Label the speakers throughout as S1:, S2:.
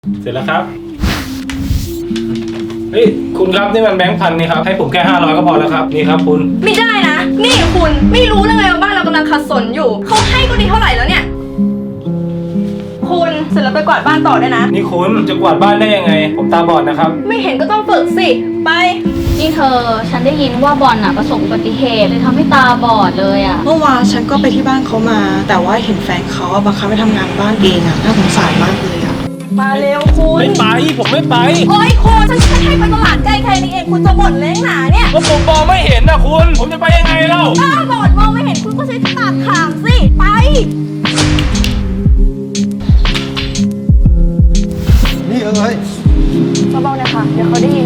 S1: เสร็จแล้วครับเฮ้ยคุณครับนี่มันแบงค์พันนี่ครับให้ผมแค่500ก็พอแล้วครับนี่ครับคุณ
S2: ไม่ได้นะนี่คุณไม่รู้เลยไงว่าบ้านเรากำลังขัดสนอยู่เขาให้ก็ดีเท่าไหร่แล้วเนี่ยคุณเสร็จแล้วไปกวาดบ้านต่อได้นะ
S1: นี่คุณจะกวาดบ้านได้ยังไงผมตาบอดนะครับ
S2: ไม่เห็นก็ต้องฝึกสิไป
S3: นี่เธอฉันได้ยินว่าบอลน่ะประสบอุบัติเหตุเลยทำให้ตาบอดเลยอ่ะ
S4: เมื่อวานฉันก็ไปที่บ้านเขามา แต่ว่าเห็นแฟนเขาบังคับให้ทำงานบ้านเองอะน่าสงสารมากเลยอะ
S2: มาเร็วคุณ
S1: ไม่ไปผมไม่ไป
S2: โอ้ยคุณฉันแค่ให้ไปตลาดใกล้แค่นี้เองคุณจะบ่นเล้งหนาเนี่ย
S1: ก็ผมมองไม่เห็นนะคุณผมจะไปยังไงเล่า
S2: บ้าบอดมองไม่เห็นคุณก็ใช้ตาขางสิไป
S5: นี่เอ้ย
S2: เบาๆนะคะเดี๋ยวเขาได้ยิน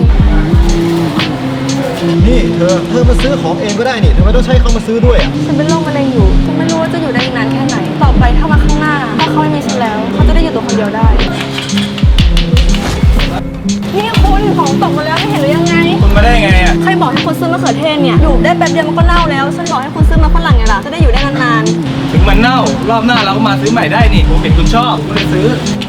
S5: นี่เธอมาซื้อของเองก็ได้นี่ทำไมต้องใช้เขามาซื้อด้วยอ่ะ
S2: ฉันเป็นโรคมะเร็งอยู่ฉันไม่รู้ว่าจะอยู่ได้อีกนานแค่ไหนต่อไปถ้ามาข้างหน้าถ้าเขาไม่มีฉันแล้วเขาจะได้อยู่ตัวคนเดียวได้นี่คุณของตกมาแล้วไม่เห็นหรือยังไง
S1: คุณมาได้ไงอ่ะ
S2: ใครบอกให้คุณซื้อมะเขือเทศเนี่ยอยู่ได้แป๊บเดียวมันก็เน่าแล้วฉันบอกให้คุณซื้อมาฝรั่งไงล่ะจะได้อยู่ได้นาน
S1: ถึงมันเน่ารอบหน้าเราก็มาซื้อใหม่ได้นี่ผมเห็นคุณชอบก็เลยซื้อ